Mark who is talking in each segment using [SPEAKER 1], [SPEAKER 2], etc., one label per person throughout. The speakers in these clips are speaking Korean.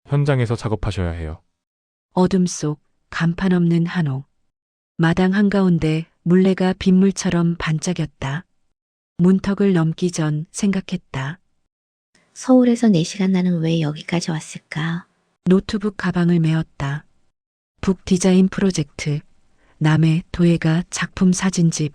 [SPEAKER 1] 현장에서 작업하셔야 해요.
[SPEAKER 2] 어둠 속 간판 없는 한옥. 마당 한가운데 물레가 빗물처럼 반짝였다. 문턱을 넘기 전 생각했다.
[SPEAKER 3] 서울에서 4시간 나는 왜 여기까지 왔을까?
[SPEAKER 2] 노트북 가방을 메었다. 북 디자인 프로젝트. 남해 도예가 작품 사진집.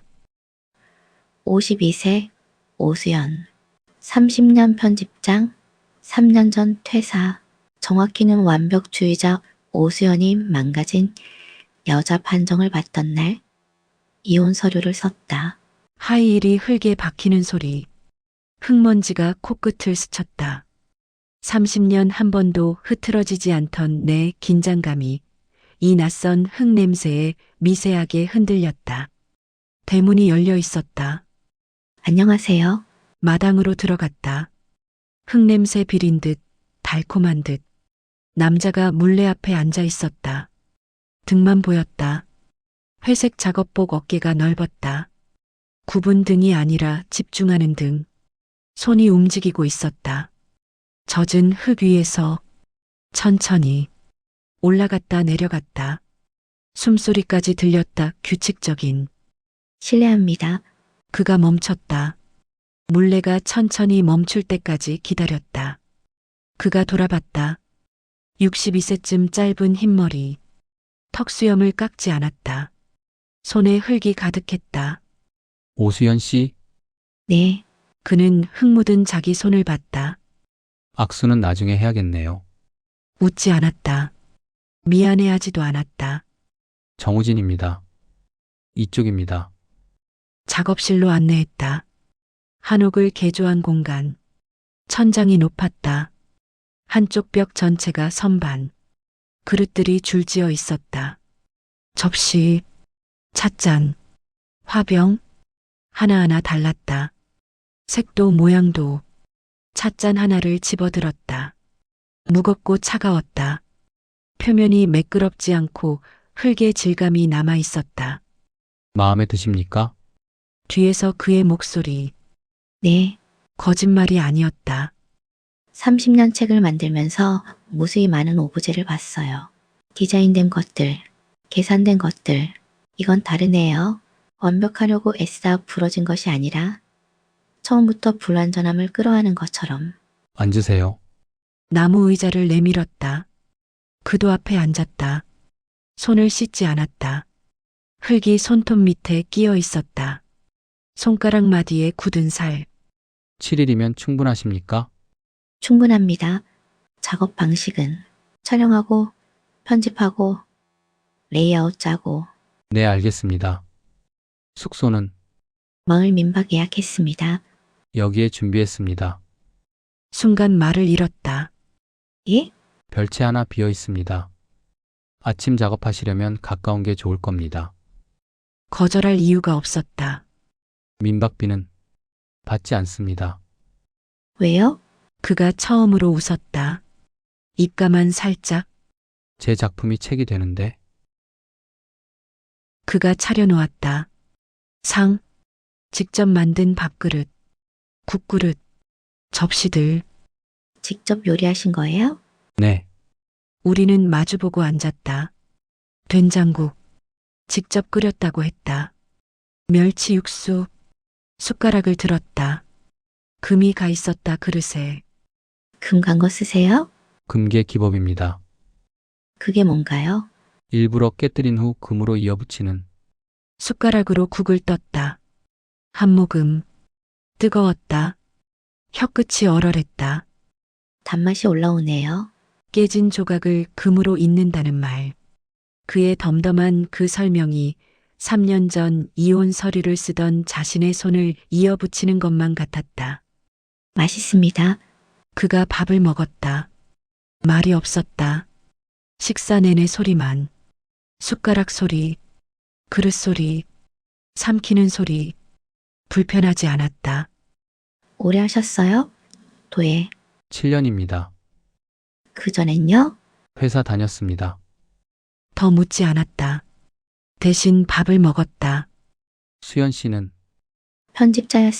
[SPEAKER 3] 52세 오수연. 30년 편집장. 3년 전 퇴사. 정확히는 완벽주의자 오수연이 망가진 여자 판정을 받던 날 이혼 서류를 썼다.
[SPEAKER 2] 하이힐이 흙에 박히는 소리. 흙먼지가 코끝을 스쳤다. 30년 한 번도 흐트러지지 않던 내 긴장감이 이 낯선 흙 냄새에 미세하게 흔들렸다. 대문이 열려 있었다.
[SPEAKER 3] 안녕하세요.
[SPEAKER 2] 마당으로 들어갔다. 흙 냄새 비린 듯 달콤한 듯. 남자가 물레 앞에 앉아 있었다. 등만 보였다. 회색 작업복 어깨가 넓었다. 굽은 등이 아니라 집중하는 등. 손이 움직이고 있었다. 젖은 흙 위에서 천천히 올라갔다 내려갔다. 숨소리까지 들렸다. 규칙적인.
[SPEAKER 3] 실례합니다.
[SPEAKER 2] 그가 멈췄다. 물레가 천천히 멈출 때까지 기다렸다. 그가 돌아봤다. 62세쯤 짧은 흰머리. 턱수염을 깎지 않았다. 손에 흙이 가득했다.
[SPEAKER 4] 오수연 씨,
[SPEAKER 3] 네,
[SPEAKER 2] 그는 흙 묻은 자기 손을 봤다.
[SPEAKER 4] 악수는 나중에 해야겠네요.
[SPEAKER 2] 웃지 않았다. 미안해하지도 않았다.
[SPEAKER 4] 정우진입니다. 이쪽입니다.
[SPEAKER 2] 작업실로 안내했다. 한옥을 개조한 공간. 천장이 높았다. 한쪽 벽 전체가 선반. 그릇들이 줄지어 있었다. 접시, 찻잔, 화병, 하나하나 달랐다. 색도 모양도. 찻잔 하나를 집어들었다. 무겁고 차가웠다. 표면이 매끄럽지 않고 흙의 질감이 남아 있었다.
[SPEAKER 4] 마음에 드십니까?
[SPEAKER 2] 뒤에서 그의 목소리.
[SPEAKER 3] 네.
[SPEAKER 2] 거짓말이 아니었다.
[SPEAKER 3] 30년 책을 만들면서 무수히 많은 오브제를 봤어요. 디자인된 것들, 계산된 것들. 이건 다르네요. 완벽하려고 애써 부러진 것이 아니라 처음부터 불완전함을 끌어안은 것처럼.
[SPEAKER 4] 앉으세요.
[SPEAKER 2] 나무 의자를 내밀었다. 그도 앞에 앉았다. 손을 씻지 않았다. 흙이 손톱 밑에 끼어 있었다. 손가락 마디에 굳은 살.
[SPEAKER 4] 7일이면 충분하십니까?
[SPEAKER 3] 충분합니다. 작업 방식은 촬영하고 편집하고 레이아웃 짜고
[SPEAKER 4] 네, 알겠습니다. 숙소는
[SPEAKER 3] 마을 민박 예약했습니다.
[SPEAKER 4] 여기에 준비했습니다.
[SPEAKER 2] 순간 말을 잃었다.
[SPEAKER 3] 예?
[SPEAKER 4] 별채 하나 비어 있습니다. 아침 작업하시려면 가까운 게 좋을 겁니다.
[SPEAKER 2] 거절할 이유가 없었다.
[SPEAKER 4] 민박비는 받지 않습니다.
[SPEAKER 3] 왜요?
[SPEAKER 2] 그가 처음으로 웃었다. 입가만 살짝.
[SPEAKER 4] 제 작품이 책이 되는데
[SPEAKER 2] 그가 차려놓았다. 상, 직접 만든 밥그릇, 국그릇, 접시들.
[SPEAKER 3] 직접 요리하신 거예요?
[SPEAKER 4] 네,
[SPEAKER 2] 우리는 마주보고 앉았다. 된장국, 직접 끓였다고 했다. 멸치 육수, 숟가락을 들었다. 금이 가 있었다 그릇에.
[SPEAKER 3] 금 간 거 쓰세요?
[SPEAKER 4] 금계 기법입니다.
[SPEAKER 3] 그게 뭔가요?
[SPEAKER 4] 일부러 깨뜨린 후 금으로 이어붙이는
[SPEAKER 2] 숟가락으로 국을 떴다. 한 모금. 뜨거웠다. 혀끝이 얼얼했다.
[SPEAKER 3] 단맛이 올라오네요.
[SPEAKER 2] 깨진 조각을 금으로 잇는다는 말. 그의 덤덤한 그 설명이 3년 전 이혼 서류를 쓰던 자신의 손을 이어붙이는 것만 같았다.
[SPEAKER 3] 맛있습니다.
[SPEAKER 2] 그가 밥을 먹었다. 말이 없었다. 식사 내내 소리만. 숟가락 소리, 그릇 소리, 삼키는 소리. 불편하지 않았다.
[SPEAKER 3] 오래 하셨어요? 도예.
[SPEAKER 4] 7년입니다.
[SPEAKER 3] 그전엔요?
[SPEAKER 4] 회사 다녔습니다.
[SPEAKER 2] 더 묻지 않았다. 대신 밥을 먹었다.
[SPEAKER 4] 수연 씨는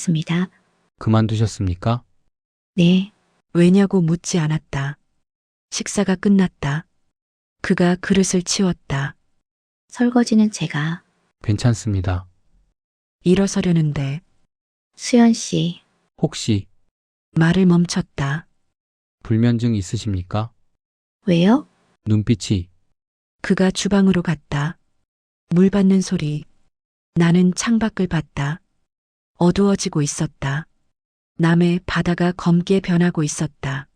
[SPEAKER 3] 편집자였습니다.
[SPEAKER 4] 그만두셨습니까?
[SPEAKER 3] 네.
[SPEAKER 2] 왜냐고 묻지 않았다. 식사가 끝났다. 그가 그릇을 치웠다.
[SPEAKER 3] 설거지는 제가.
[SPEAKER 4] 괜찮습니다.
[SPEAKER 2] 일어서려는데
[SPEAKER 3] 수연 씨,
[SPEAKER 4] 혹시
[SPEAKER 2] 말을 멈췄다.
[SPEAKER 4] 불면증 있으십니까?
[SPEAKER 3] 왜요?
[SPEAKER 4] 눈빛이
[SPEAKER 2] 그가 주방으로 갔다. 물 받는 소리. 나는 창밖을 봤다. 어두워지고 있었다. 남해 바다가 검게 변하고 있었다.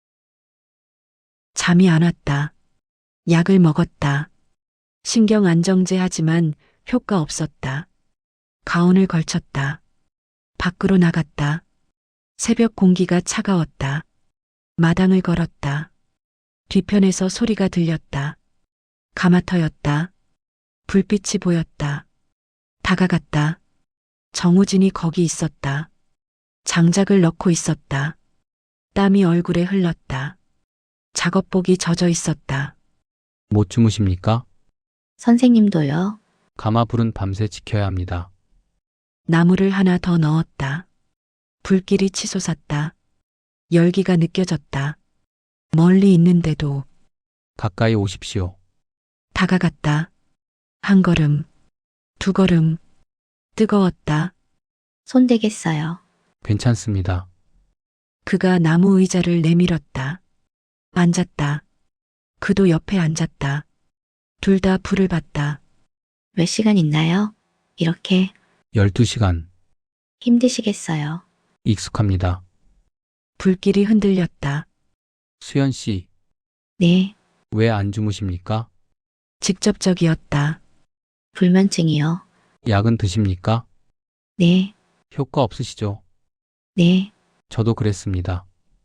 [SPEAKER 2] 잠이 안 왔다. 약을 먹었다. 신경 안정제 하지만 효과 없었다. 가운을 걸쳤다. 밖으로 나갔다. 새벽 공기가 차가웠다. 마당을 걸었다. 뒤편에서 소리가 들렸다. 가마터였다. 불빛이 보였다. 다가갔다. 정우진이 거기 있었다. 장작을 넣고 있었다. 땀이 얼굴에 흘렀다. 작업복이 젖어 있었다.
[SPEAKER 4] 못 주무십니까?
[SPEAKER 3] 선생님도요.
[SPEAKER 4] 가마 불은 밤새 지켜야 합니다.
[SPEAKER 2] 나무를 하나 더 넣었다. 불길이 치솟았다. 열기가 느껴졌다. 멀리 있는데도
[SPEAKER 4] 가까이 오십시오.
[SPEAKER 2] 다가갔다. 한 걸음, 두 걸음. 뜨거웠다.
[SPEAKER 3] 손대겠어요.
[SPEAKER 4] 괜찮습니다.
[SPEAKER 2] 그가 나무 의자를 내밀었다. 앉았다. 그도 옆에 앉았다. 둘 다 불을 봤다.
[SPEAKER 3] 몇 시간 있나요? 이렇게
[SPEAKER 4] 12시간.
[SPEAKER 3] 힘드시겠어요.
[SPEAKER 4] 익숙합니다.
[SPEAKER 2] 불길이 흔들렸다.
[SPEAKER 4] 수연 씨,
[SPEAKER 3] 네,
[SPEAKER 4] 왜 안 주무십니까?
[SPEAKER 2] 직접적이었다.
[SPEAKER 3] 불면증이요.
[SPEAKER 4] 약은 드십니까?
[SPEAKER 3] 네,
[SPEAKER 4] 효과 없으시죠?
[SPEAKER 3] 네.
[SPEAKER 4] 저도 그랬습니다.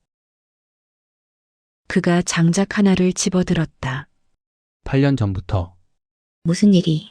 [SPEAKER 2] 그가 장작 하나를 집어들었다.
[SPEAKER 4] 8년 전부터
[SPEAKER 3] 무슨 일이?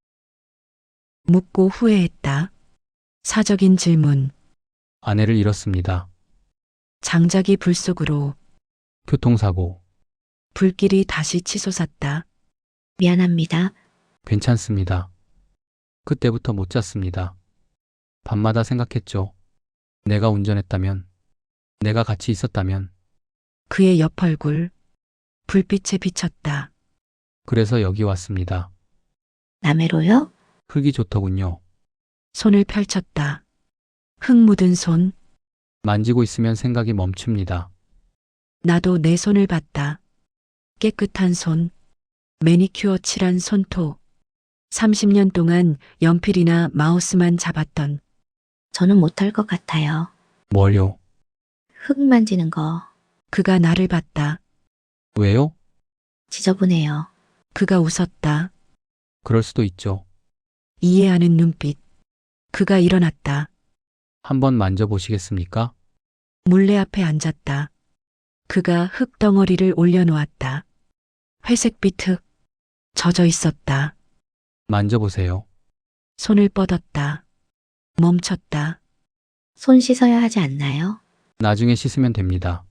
[SPEAKER 2] 묻고 후회했다. 사적인 질문.
[SPEAKER 4] 아내를 잃었습니다.
[SPEAKER 2] 장작이 불 속으로.
[SPEAKER 4] 교통사고.
[SPEAKER 2] 불길이 다시 치솟았다.
[SPEAKER 3] 미안합니다.
[SPEAKER 4] 괜찮습니다. 그때부터 못 잤습니다. 밤마다 생각했죠. 내가 운전했다면, 내가 같이 있었다면,
[SPEAKER 2] 그의 옆 얼굴. 불빛에 비쳤다.
[SPEAKER 4] 그래서 여기 왔습니다.
[SPEAKER 3] 남해로요?
[SPEAKER 4] 흙이 좋더군요.
[SPEAKER 2] 손을 펼쳤다. 흙 묻은 손.
[SPEAKER 4] 만지고 있으면 생각이 멈춥니다.
[SPEAKER 2] 나도 내 손을 봤다. 깨끗한 손. 매니큐어 칠한 손톱. 30년 동안 연필이나 마우스만 잡았던
[SPEAKER 3] 저는 못할 것 같아요.
[SPEAKER 4] 뭘요?
[SPEAKER 3] 흙 만지는 거
[SPEAKER 2] 그가 나를 봤다.
[SPEAKER 4] 왜요?
[SPEAKER 3] 지저분해요.
[SPEAKER 2] 그가 웃었다.
[SPEAKER 4] 그럴 수도 있죠.
[SPEAKER 2] 이해하는 눈빛. 그가 일어났다.
[SPEAKER 4] 한번 만져보시겠습니까?
[SPEAKER 2] 물레 앞에 앉았다. 그가 흙 덩어리를 올려놓았다. 회색빛 흙. 젖어 있었다.
[SPEAKER 4] 만져보세요.
[SPEAKER 2] 손을 뻗었다. 멈췄다.
[SPEAKER 3] 손 씻어야 하지 않나요?
[SPEAKER 4] 나중에 씻으면 됩니다.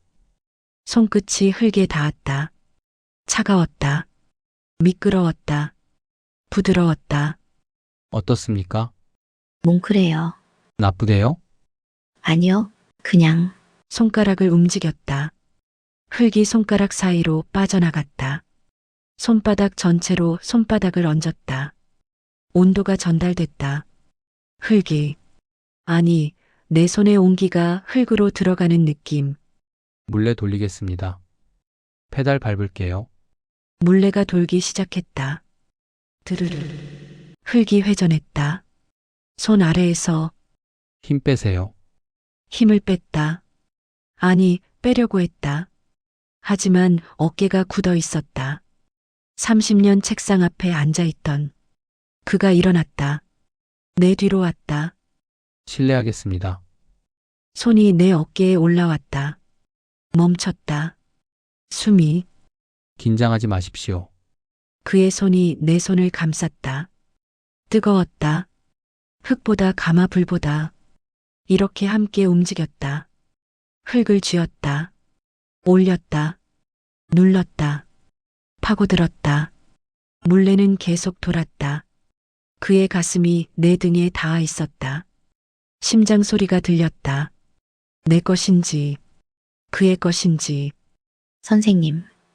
[SPEAKER 2] 손끝이 흙에 닿았다. 차가웠다. 미끄러웠다. 부드러웠다.
[SPEAKER 4] 어떻습니까?
[SPEAKER 3] 뭉클해요.
[SPEAKER 4] 나쁘대요?
[SPEAKER 3] 아니요. 그냥
[SPEAKER 2] 손가락을 움직였다. 흙이 손가락 사이로 빠져나갔다. 손바닥 전체로 손바닥을 얹었다. 온도가 전달됐다. 흙이. 아니, 내 손의 온기가 흙으로 들어가는 느낌.
[SPEAKER 4] 물레 돌리겠습니다. 페달 밟을게요.
[SPEAKER 2] 물레가 돌기 시작했다. 드르르. 흙이 회전했다. 손 아래에서
[SPEAKER 4] 힘 빼세요.
[SPEAKER 2] 힘을 뺐다. 아니, 빼려고 했다. 하지만 어깨가 굳어 있었다. 30년 책상 앞에 앉아 있던 그가 일어났다. 내 뒤로 왔다.
[SPEAKER 4] 실례하겠습니다.
[SPEAKER 2] 손이 내 어깨에 올라왔다. 멈췄다. 숨이.
[SPEAKER 4] 긴장하지 마십시오.
[SPEAKER 2] 그의 손이 내 손을 감쌌다. 뜨거웠다. 흙보다 가마 불보다. 이렇게 함께 움직였다. 흙을 쥐었다. 올렸다. 눌렀다. 파고들었다. 물레는 계속 돌았다. 그의 가슴이 내 등에 닿아 있었다. 심장 소리가 들렸다. 내 것인지, 그의 것인지.
[SPEAKER 3] 선생님,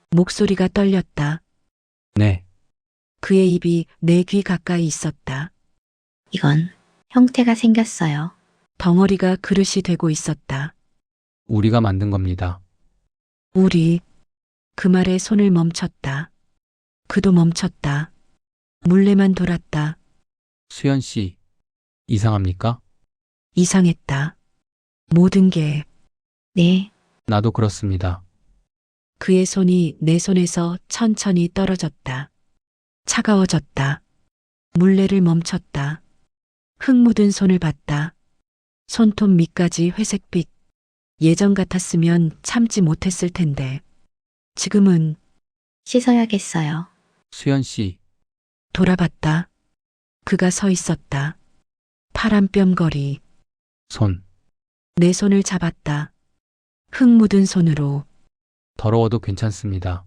[SPEAKER 2] 목소리가 떨렸다.
[SPEAKER 4] 네,
[SPEAKER 2] 그의 입이 내 귀 가까이 있었다.
[SPEAKER 3] 이건 형태가 생겼어요.
[SPEAKER 2] 덩어리가 그릇이 되고 있었다.
[SPEAKER 4] 우리가 만든 겁니다.
[SPEAKER 2] 우리. 그 말에 손을 멈췄다. 그도 멈췄다. 물레만 돌았다.
[SPEAKER 4] 수연 씨, 이상합니까?
[SPEAKER 2] 이상했다. 모든 게.
[SPEAKER 3] 네,
[SPEAKER 4] 나도 그렇습니다.
[SPEAKER 2] 그의 손이 내 손에서 천천히 떨어졌다. 차가워졌다. 물레를 멈췄다. 흙 묻은 손을 봤다. 손톱 밑까지 회색빛. 예전 같았으면 참지 못했을 텐데. 지금은.
[SPEAKER 3] 씻어야겠어요.
[SPEAKER 4] 수연 씨,
[SPEAKER 2] 돌아봤다. 그가 서 있었다. 파란 뼘거리.
[SPEAKER 4] 손,
[SPEAKER 2] 내 손을 잡았다. 흙 묻은 손으로.
[SPEAKER 4] 더러워도 괜찮습니다.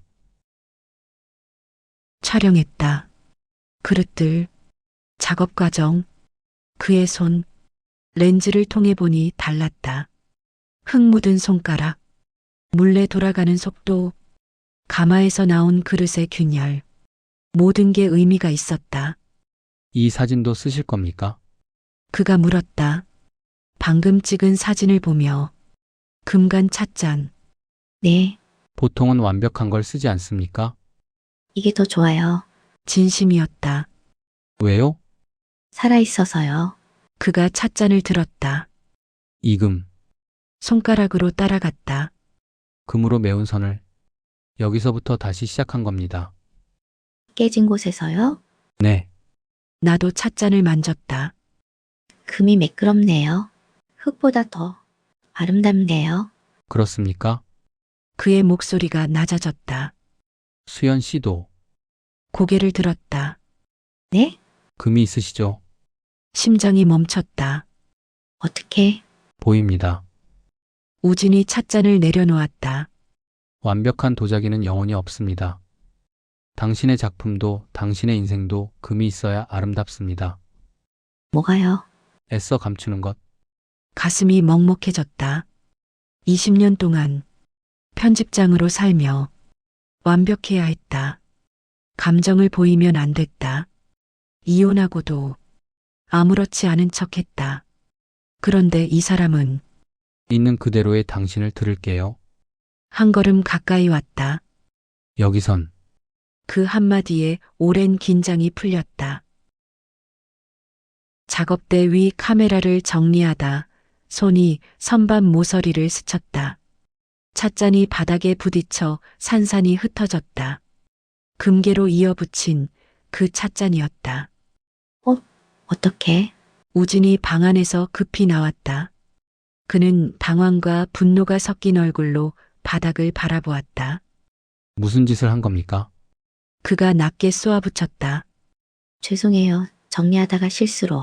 [SPEAKER 2] 촬영했다. 그릇들. 작업 과정. 그의 손. 렌즈를 통해 보니 달랐다. 흙 묻은 손가락. 물레 돌아가는 속도. 가마에서 나온 그릇의 균열. 모든 게 의미가 있었다.
[SPEAKER 4] 이 사진도 쓰실 겁니까?
[SPEAKER 2] 그가 물었다. 방금 찍은 사진을 보며. 금간 찻잔.
[SPEAKER 3] 네,
[SPEAKER 4] 보통은 완벽한 걸 쓰지 않습니까?
[SPEAKER 3] 이게 더 좋아요.
[SPEAKER 2] 진심이었다.
[SPEAKER 4] 왜요?
[SPEAKER 3] 살아있어서요.
[SPEAKER 2] 그가 찻잔을 들었다.
[SPEAKER 4] 이금,
[SPEAKER 2] 손가락으로 따라갔다.
[SPEAKER 4] 금으로 메운 선을 여기서부터 다시 시작한 겁니다.
[SPEAKER 3] 깨진 곳에서요.
[SPEAKER 4] 네,
[SPEAKER 2] 나도 찻잔을 만졌다.
[SPEAKER 3] 금이 매끄럽네요. 흙보다 더 아름답네요.
[SPEAKER 4] 그렇습니까?
[SPEAKER 2] 그의 목소리가 낮아졌다.
[SPEAKER 4] 수연 씨도
[SPEAKER 2] 고개를 들었다.
[SPEAKER 3] 네?
[SPEAKER 4] 금이 있으시죠?
[SPEAKER 2] 심장이 멈췄다.
[SPEAKER 3] 어떻게?
[SPEAKER 4] 보입니다.
[SPEAKER 2] 우진이 찻잔을 내려놓았다.
[SPEAKER 4] 완벽한 도자기는 영혼이 없습니다. 당신의 작품도 당신의 인생도 금이 있어야 아름답습니다.
[SPEAKER 3] 뭐가요?
[SPEAKER 4] 애써 감추는 것,
[SPEAKER 2] 가슴이 먹먹해졌다. 20년 동안 편집장으로 살며 완벽해야 했다. 감정을 보이면 안 됐다. 이혼하고도 아무렇지 않은 척 했다. 그런데 이 사람은
[SPEAKER 4] 있는 그대로의 당신을 들을게요.
[SPEAKER 2] 한 걸음 가까이 왔다.
[SPEAKER 4] 여기선
[SPEAKER 2] 그 한마디에 오랜 긴장이 풀렸다. 작업대 위 카메라를 정리하다 손이 선반 모서리를 스쳤다. 찻잔이 바닥에 부딪혀 산산이 흩어졌다. 금괴로 이어붙인 그 찻잔이었다.
[SPEAKER 3] 어떻게?
[SPEAKER 2] 우진이 방 안에서 급히 나왔다. 그는 당황과 분노가 섞인 얼굴로 바닥을 바라보았다.
[SPEAKER 4] 무슨 짓을 한 겁니까?
[SPEAKER 2] 그가 낮게 쏘아붙였다.
[SPEAKER 3] 죄송해요. 정리하다가 실수로.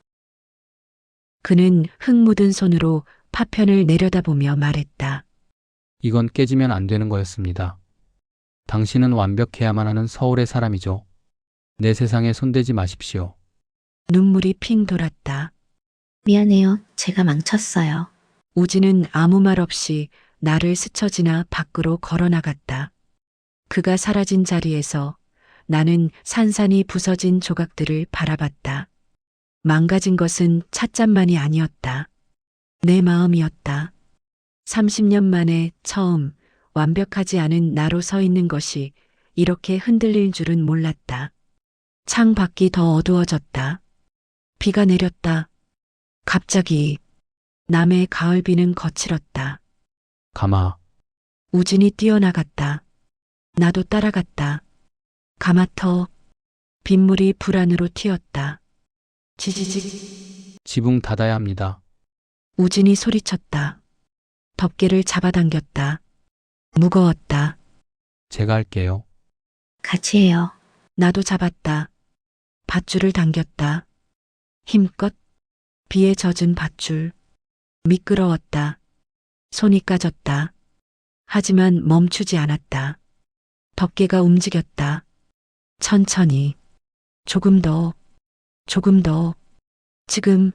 [SPEAKER 2] 그는 흙 묻은 손으로 파편을 내려다보며 말했다.
[SPEAKER 4] 이건 깨지면 안 되는 거였습니다. 당신은 완벽해야만 하는 서울의 사람이죠. 내 세상에 손대지 마십시오.
[SPEAKER 2] 눈물이 핑 돌았다.
[SPEAKER 3] 미안해요. 제가 망쳤어요.
[SPEAKER 2] 우진은 아무 말 없이 나를 스쳐 지나 밖으로 걸어 나갔다. 그가 사라진 자리에서 나는 산산이 부서진 조각들을 바라봤다. 망가진 것은 찻잔만이 아니었다. 내 마음이었다. 30년 만에 처음 완벽하지 않은 나로 서 있는 것이 이렇게 흔들릴 줄은 몰랐다. 창 밖이 더 어두워졌다. 비가 내렸다. 갑자기 남의 가을비는 거칠었다.
[SPEAKER 4] 가마,
[SPEAKER 2] 우진이 뛰어나갔다. 나도 따라갔다. 가마터 빗물이 불 안으로 튀었다. 지지직.
[SPEAKER 4] 지붕 닫아야 합니다.
[SPEAKER 2] 우진이 소리쳤다. 덮개를 잡아당겼다. 무거웠다.
[SPEAKER 4] 제가 할게요.
[SPEAKER 3] 같이 해요.
[SPEAKER 2] 나도 잡았다. 밧줄을 당겼다. 힘껏 비에 젖은 밧줄. 미끄러웠다. 손이 까졌다. 하지만 멈추지 않았다. 덮개가 움직였다. 천천히. 조금 더. 조금 더. 지금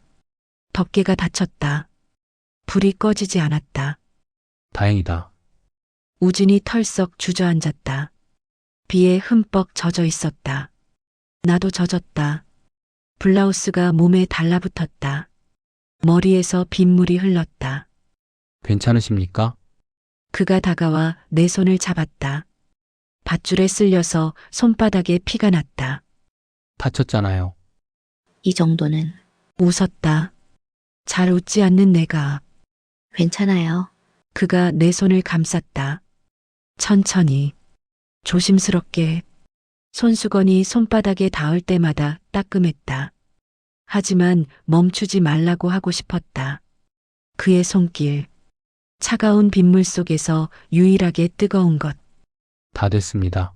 [SPEAKER 2] 덮개가 닫혔다. 불이 꺼지지 않았다.
[SPEAKER 4] 다행이다.
[SPEAKER 2] 우진이 털썩 주저앉았다. 비에 흠뻑 젖어 있었다. 나도 젖었다. 블라우스가 몸에 달라붙었다. 머리에서 빗물이 흘렀다.
[SPEAKER 4] 괜찮으십니까?
[SPEAKER 2] 그가 다가와 내 손을 잡았다. 밧줄에 쓸려서 손바닥에 피가 났다.
[SPEAKER 4] 다쳤잖아요.
[SPEAKER 3] 이 정도는
[SPEAKER 2] 웃었다. 잘 웃지 않는 내가.
[SPEAKER 3] 괜찮아요.
[SPEAKER 2] 그가 내 손을 감쌌다. 천천히, 조심스럽게. 손수건이 손바닥에 닿을 때마다 따끔했다. 하지만 멈추지 말라고 하고 싶었다. 그의 손길, 차가운 빗물 속에서 유일하게 뜨거운 것.
[SPEAKER 4] 다 됐습니다.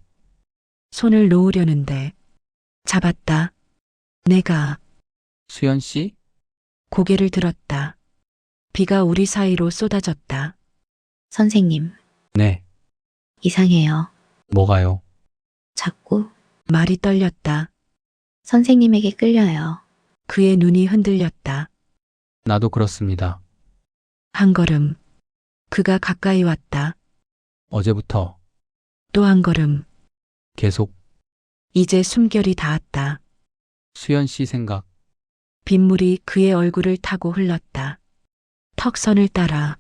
[SPEAKER 2] 손을 놓으려는데 잡았다. 내가
[SPEAKER 4] 수연 씨?
[SPEAKER 2] 고개를 들었다. 비가 우리 사이로 쏟아졌다.
[SPEAKER 3] 선생님,
[SPEAKER 4] 네.
[SPEAKER 3] 이상해요.
[SPEAKER 4] 뭐가요?
[SPEAKER 3] 자꾸
[SPEAKER 2] 말이 떨렸다.
[SPEAKER 3] 선생님에게 끌려요.
[SPEAKER 2] 그의 눈이 흔들렸다.
[SPEAKER 4] 나도 그렇습니다.
[SPEAKER 2] 한 걸음. 그가 가까이 왔다.
[SPEAKER 4] 어제부터
[SPEAKER 2] 또 한 걸음.
[SPEAKER 4] 계속
[SPEAKER 2] 이제 숨결이 닿았다.
[SPEAKER 4] 수연 씨 생각.
[SPEAKER 2] 빗물이 그의 얼굴을 타고 흘렀다. 턱선을 따라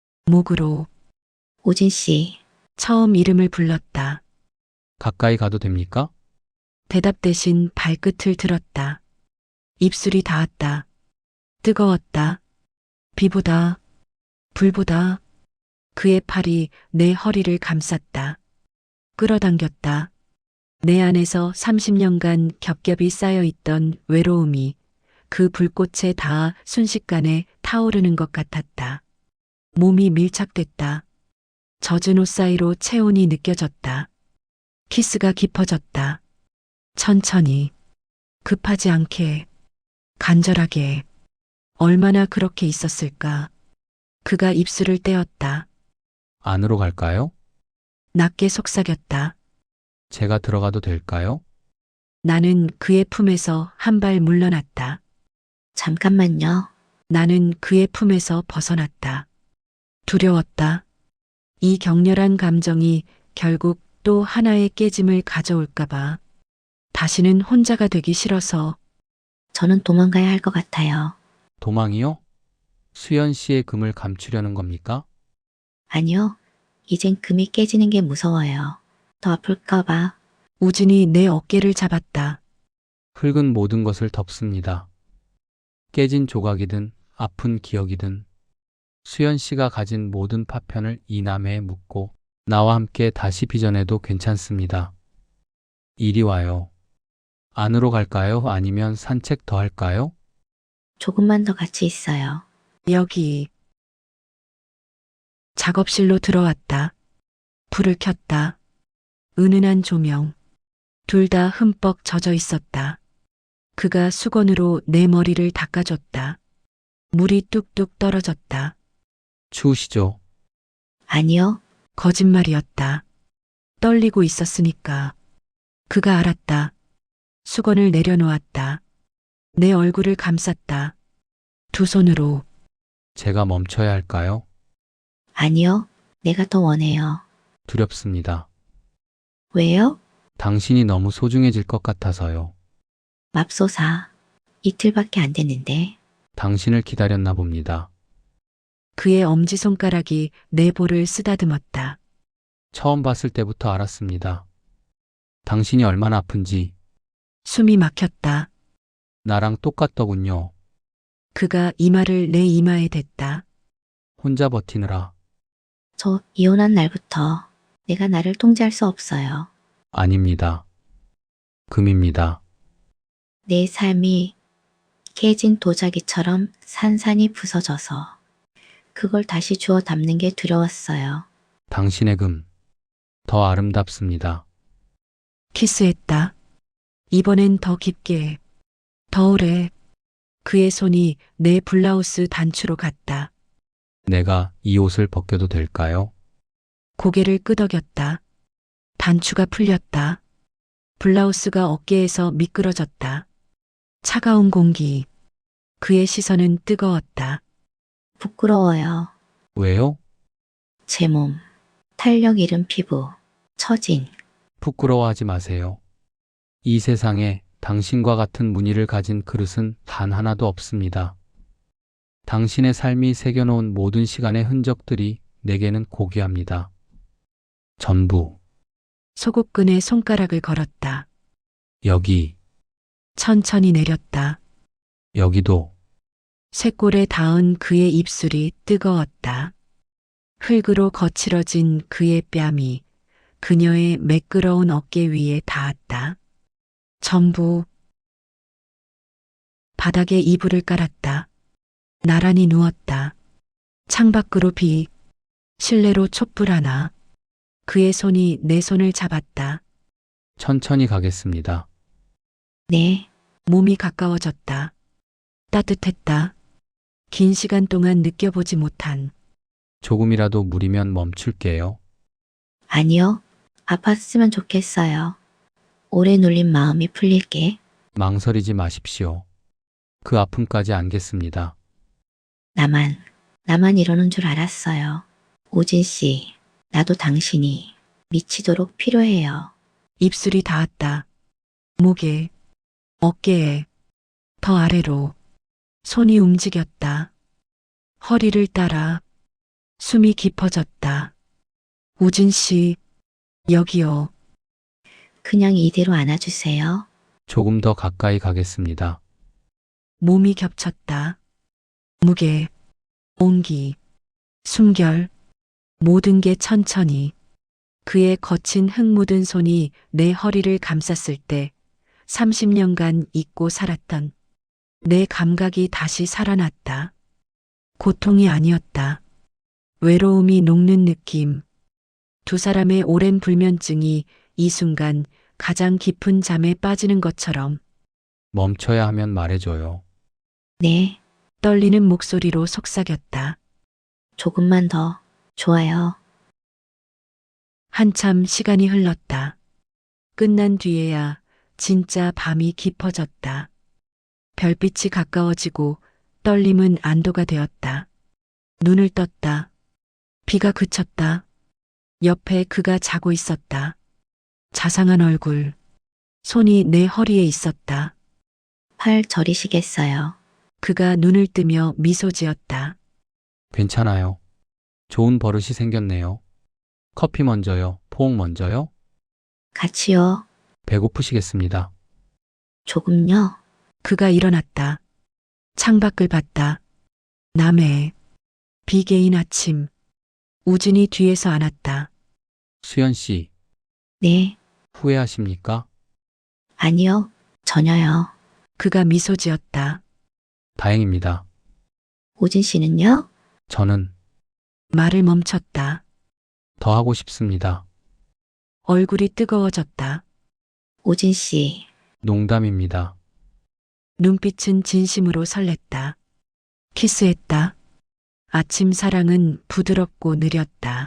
[SPEAKER 2] 목으로
[SPEAKER 3] 오진 씨,
[SPEAKER 2] 처음 이름을 불렀다.
[SPEAKER 4] 가까이 가도 됩니까?
[SPEAKER 2] 대답 대신 발끝을 들었다. 입술이 닿았다. 뜨거웠다. 비보다, 불보다. 그의 팔이 내 허리를 감쌌다. 끌어당겼다. 내 안에서 30년간 겹겹이 쌓여있던 외로움이 그 불꽃에 닿아 순식간에 타오르는 것 같았다. 몸이 밀착됐다. 젖은 옷 사이로 체온이 느껴졌다. 키스가 깊어졌다. 천천히, 급하지 않게, 간절하게. 얼마나 그렇게 있었을까. 그가 입술을 떼었다.
[SPEAKER 4] 안으로 갈까요?
[SPEAKER 2] 낮게 속삭였다.
[SPEAKER 4] 제가 들어가도 될까요?
[SPEAKER 2] 나는 그의 품에서 한 발 물러났다.
[SPEAKER 3] 잠깐만요.
[SPEAKER 2] 나는 그의 품에서 벗어났다. 두려웠다. 이 격렬한 감정이 결국 또 하나의 깨짐을 가져올까봐. 다시는 혼자가 되기 싫어서.
[SPEAKER 3] 저는 도망가야 할 것 같아요.
[SPEAKER 4] 도망이요? 수연 씨의 금을 감추려는 겁니까?
[SPEAKER 3] 아니요. 이젠 금이 깨지는 게 무서워요. 더 아플까봐.
[SPEAKER 2] 우진이 내 어깨를 잡았다.
[SPEAKER 4] 흙은 모든 것을 덮습니다. 깨진 조각이든 아픈 기억이든 수연 씨가 가진 모든 파편을 이 나무에 묻고 나와 함께 다시 빚어내도 괜찮습니다. 이리 와요. 안으로 갈까요? 아니면 산책 더 할까요?
[SPEAKER 3] 조금만 더 같이 있어요.
[SPEAKER 2] 여기. 작업실로 들어왔다. 불을 켰다. 은은한 조명. 둘 다 흠뻑 젖어 있었다. 그가 수건으로 내 머리를 닦아줬다. 물이 뚝뚝 떨어졌다.
[SPEAKER 4] 추우시죠?
[SPEAKER 3] 아니요.
[SPEAKER 2] 거짓말이었다. 떨리고 있었으니까. 그가 알았다. 수건을 내려놓았다. 내 얼굴을 감쌌다. 두 손으로.
[SPEAKER 4] 제가 멈춰야 할까요?
[SPEAKER 3] 아니요. 내가 더 원해요.
[SPEAKER 4] 두렵습니다.
[SPEAKER 3] 왜요?
[SPEAKER 4] 당신이 너무 소중해질 것 같아서요.
[SPEAKER 3] 맙소사. 이틀밖에 안 됐는데.
[SPEAKER 4] 당신을 기다렸나 봅니다.
[SPEAKER 2] 그의 엄지손가락이 내 볼을 쓰다듬었다.
[SPEAKER 4] 처음 봤을 때부터 알았습니다. 당신이 얼마나 아픈지.
[SPEAKER 2] 숨이 막혔다.
[SPEAKER 4] 나랑 똑같더군요.
[SPEAKER 2] 그가 이마를 내 이마에 댔다.
[SPEAKER 4] 혼자 버티느라.
[SPEAKER 3] 저 이혼한 날부터 내가 나를 통제할 수 없어요.
[SPEAKER 4] 아닙니다. 금입니다.
[SPEAKER 3] 내 삶이 깨진 도자기처럼 산산이 부서져서 그걸 다시 주워 담는 게 두려웠어요.
[SPEAKER 4] 당신의 금. 더 아름답습니다.
[SPEAKER 2] 키스했다. 이번엔 더 깊게, 더 오래. 그의 손이 내 블라우스 단추로 갔다.
[SPEAKER 4] 내가 이 옷을 벗겨도 될까요?
[SPEAKER 2] 고개를 끄덕였다. 단추가 풀렸다. 블라우스가 어깨에서 미끄러졌다. 차가운 공기. 그의 시선은 뜨거웠다.
[SPEAKER 3] 부끄러워요.
[SPEAKER 4] 왜요?
[SPEAKER 3] 제 몸. 탄력 잃은 피부, 처진.
[SPEAKER 4] 부끄러워하지 마세요. 이 세상에 당신과 같은 무늬를 가진 그릇은 단 하나도 없습니다. 당신의 삶이 새겨놓은 모든 시간의 흔적들이 내게는 고귀합니다. 전부,
[SPEAKER 2] 소국근에 손가락을 걸었다.
[SPEAKER 4] 여기,
[SPEAKER 2] 천천히 내렸다.
[SPEAKER 4] 여기도,
[SPEAKER 2] 쇄골에 닿은 그의 입술이 뜨거웠다. 흙으로 거칠어진 그의 뺨이 그녀의 매끄러운 어깨 위에 닿았다. 전부 바닥에 이불을 깔았다. 나란히 누웠다. 창밖으로 비, 실내로 촛불 하나. 그의 손이 내 손을 잡았다.
[SPEAKER 4] 천천히 가겠습니다.
[SPEAKER 3] 네,
[SPEAKER 2] 몸이 가까워졌다. 따뜻했다. 긴 시간 동안 느껴보지 못한
[SPEAKER 4] 조금이라도 무리면 멈출게요.
[SPEAKER 3] 아니요. 아팠으면 좋겠어요. 오래 눌린 마음이 풀릴게.
[SPEAKER 4] 망설이지 마십시오. 그 아픔까지 안겠습니다.
[SPEAKER 3] 나만 이러는 줄 알았어요. 오진 씨, 나도 당신이 미치도록 필요해요.
[SPEAKER 2] 입술이 닿았다. 목에, 어깨에, 더 아래로 손이 움직였다. 허리를 따라 숨이 깊어졌다. 우진 씨, 여기요.
[SPEAKER 3] 그냥 이대로 안아주세요.
[SPEAKER 4] 조금 더 가까이 가겠습니다.
[SPEAKER 2] 몸이 겹쳤다. 무게, 온기, 숨결, 모든 게 천천히. 그의 거친 흙 묻은 손이 내 허리를 감쌌을 때 30년간 잊고 살았던 내 감각이 다시 살아났다. 고통이 아니었다. 외로움이 녹는 느낌. 두 사람의 오랜 불면증이 이 순간 가장 깊은 잠에 빠지는 것처럼
[SPEAKER 4] 멈춰야 하면 말해줘요.
[SPEAKER 3] 네,
[SPEAKER 2] 떨리는 목소리로 속삭였다.
[SPEAKER 3] 조금만 더. 좋아요.
[SPEAKER 2] 한참 시간이 흘렀다. 끝난 뒤에야 진짜 밤이 깊어졌다. 별빛이 가까워지고 떨림은 안도가 되었다. 눈을 떴다. 비가 그쳤다. 옆에 그가 자고 있었다. 자상한 얼굴. 손이 내 허리에 있었다.
[SPEAKER 3] 팔 저리시겠어요.
[SPEAKER 2] 그가 눈을 뜨며 미소 지었다.
[SPEAKER 4] 괜찮아요. 좋은 버릇이 생겼네요. 커피 먼저요? 포옹 먼저요?
[SPEAKER 3] 같이요.
[SPEAKER 4] 배고프시겠습니다.
[SPEAKER 3] 조금요.
[SPEAKER 2] 그가 일어났다. 창밖을 봤다. 남해. 비 개인 아침. 우진이 뒤에서 안았다.
[SPEAKER 4] 수연 씨,
[SPEAKER 3] 네,
[SPEAKER 4] 후회하십니까?
[SPEAKER 3] 아니요. 전혀요.
[SPEAKER 2] 그가 미소 지었다.
[SPEAKER 4] 다행입니다.
[SPEAKER 3] 오진 씨는요?
[SPEAKER 4] 저는
[SPEAKER 2] 말을 멈췄다.
[SPEAKER 4] 더 하고 싶습니다.
[SPEAKER 2] 얼굴이 뜨거워졌다.
[SPEAKER 3] 오진 씨,
[SPEAKER 4] 농담입니다.
[SPEAKER 2] 눈빛은 진심으로 설렜다. 키스했다. 아침 사랑은 부드럽고 느렸다.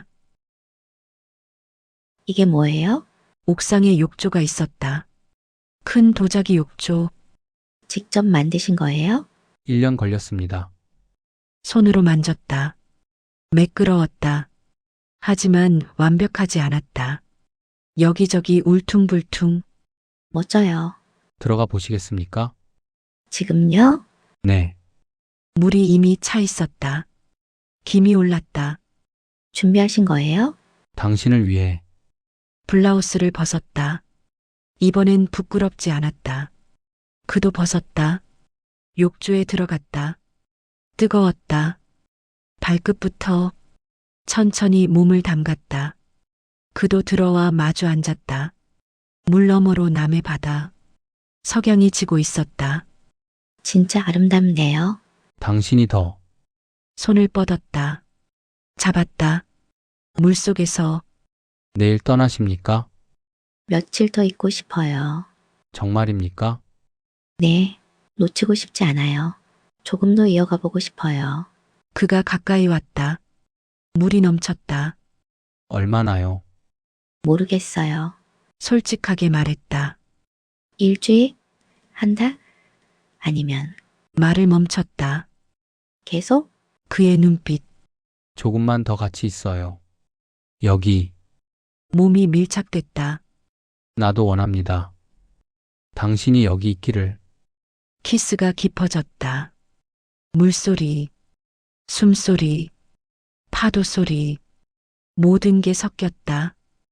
[SPEAKER 3] 이게 뭐예요?
[SPEAKER 2] 옥상에 욕조가 있었다. 큰 도자기 욕조,
[SPEAKER 3] 직접 만드신 거예요?
[SPEAKER 4] 1년 걸렸습니다.
[SPEAKER 2] 손으로 만졌다. 매끄러웠다. 하지만 완벽하지 않았다. 여기저기 울퉁불퉁.
[SPEAKER 3] 멋져요.
[SPEAKER 4] 들어가 보시겠습니까?
[SPEAKER 3] 지금요?
[SPEAKER 4] 네.
[SPEAKER 2] 물이 이미 차 있었다. 김이 올랐다.
[SPEAKER 3] 준비하신 거예요?
[SPEAKER 4] 당신을 위해
[SPEAKER 2] 블라우스를 벗었다. 이번엔 부끄럽지 않았다. 그도 벗었다. 욕조에 들어갔다. 뜨거웠다. 발끝부터 천천히 몸을 담갔다. 그도 들어와 마주 앉았다. 물 너머로 남의 바다. 석양이 지고 있었다.
[SPEAKER 3] 진짜 아름답네요.
[SPEAKER 4] 당신이 더
[SPEAKER 2] 손을 뻗었다. 잡았다. 물속에서
[SPEAKER 4] 내일 떠나십니까?
[SPEAKER 3] 며칠 더 있고 싶어요.
[SPEAKER 4] 정말입니까?
[SPEAKER 3] 네, 놓치고 싶지 않아요. 조금 더 이어가 보고 싶어요.
[SPEAKER 2] 그가 가까이 왔다. 물이 넘쳤다.
[SPEAKER 4] 얼마나요?
[SPEAKER 3] 모르겠어요.
[SPEAKER 2] 솔직하게 말했다.
[SPEAKER 3] 일주일? 한 달? 아니면
[SPEAKER 2] 말을 멈췄다.
[SPEAKER 3] 계속?
[SPEAKER 2] 그의 눈빛.
[SPEAKER 4] 조금만 더 같이 있어요. 여기,
[SPEAKER 2] 몸이 밀착됐다.
[SPEAKER 4] 나도 원합니다. 당신이 여기 있기를.
[SPEAKER 2] 키스가 깊어졌다. 물소리, 숨소리, 파도 소리, 모든 게 섞였다.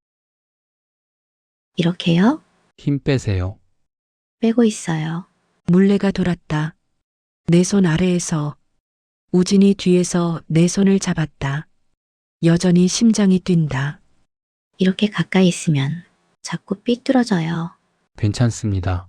[SPEAKER 3] 이렇게요?
[SPEAKER 4] 힘 빼세요.
[SPEAKER 3] 빼고 있어요.
[SPEAKER 2] 물레가 돌았다. 내 손 아래에서 우진이 뒤에서 내 손을 잡았다. 여전히 심장이 뛴다.
[SPEAKER 3] 이렇게 가까이 있으면 자꾸 삐뚤어져요.
[SPEAKER 4] 괜찮습니다.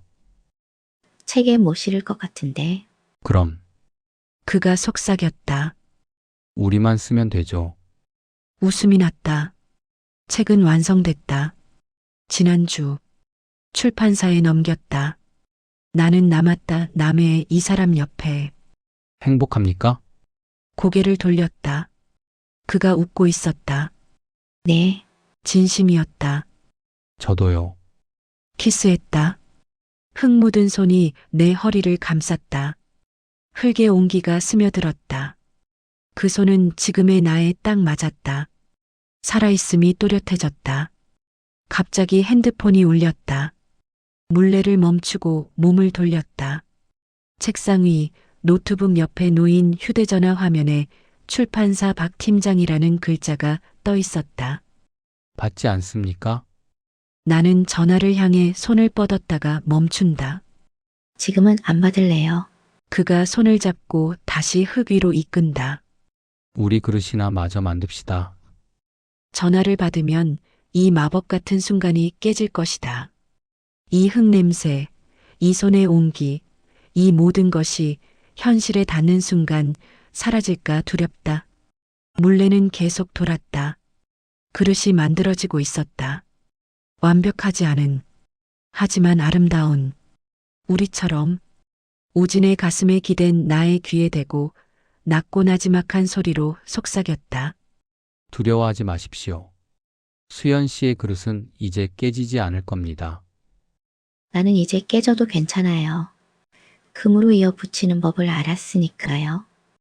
[SPEAKER 3] 책에 못 실을 것 같은데.
[SPEAKER 4] 그럼,
[SPEAKER 2] 그가 속삭였다.
[SPEAKER 4] 우리만 쓰면 되죠.
[SPEAKER 2] 웃음이 났다. 책은 완성됐다. 지난주 출판사에 넘겼다. 나는 남았다. 남의 이 사람 옆에
[SPEAKER 4] 행복합니까?
[SPEAKER 2] 고개를 돌렸다. 그가 웃고 있었다.
[SPEAKER 3] 네,
[SPEAKER 2] 진심이었다.
[SPEAKER 4] 저도요.
[SPEAKER 2] 키스했다. 흙 묻은 손이 내 허리를 감쌌다. 흙의 온기가 스며들었다. 그 손은 지금의 나에 딱 맞았다. 살아있음이 또렷해졌다. 갑자기 핸드폰이 울렸다. 물레를 멈추고 몸을 돌렸다. 책상 위 노트북 옆에 놓인 휴대전화 화면에 출판사 박 팀장이라는 글자가 떠 있었다.
[SPEAKER 4] 받지 않습니까?
[SPEAKER 2] 나는 전화를 향해 손을 뻗었다가 멈춘다.
[SPEAKER 3] 지금은 안 받을래요.
[SPEAKER 2] 그가 손을 잡고 다시 흙 위로 이끈다.
[SPEAKER 4] 우리 그릇이나 마저 만듭시다.
[SPEAKER 2] 전화를 받으면 이 마법 같은 순간이 깨질 것이다. 이 흙 냄새, 이 손의 온기, 이 모든 것이 현실에 닿는 순간 사라질까 두렵다. 물레는 계속 돌았다. 그릇이 만들어지고 있었다. 완벽하지 않은, 하지만 아름다운, 우리처럼 우진의 가슴에 기댄 나의 귀에 대고 낮고 나지막한 소리로 속삭였다.
[SPEAKER 4] 두려워하지 마십시오. 수연 씨의 그릇은 이제 깨지지 않을 겁니다.
[SPEAKER 3] 나는 이제 깨져도 괜찮아요. 금으로 이어 붙이는 법을 알았으니까요.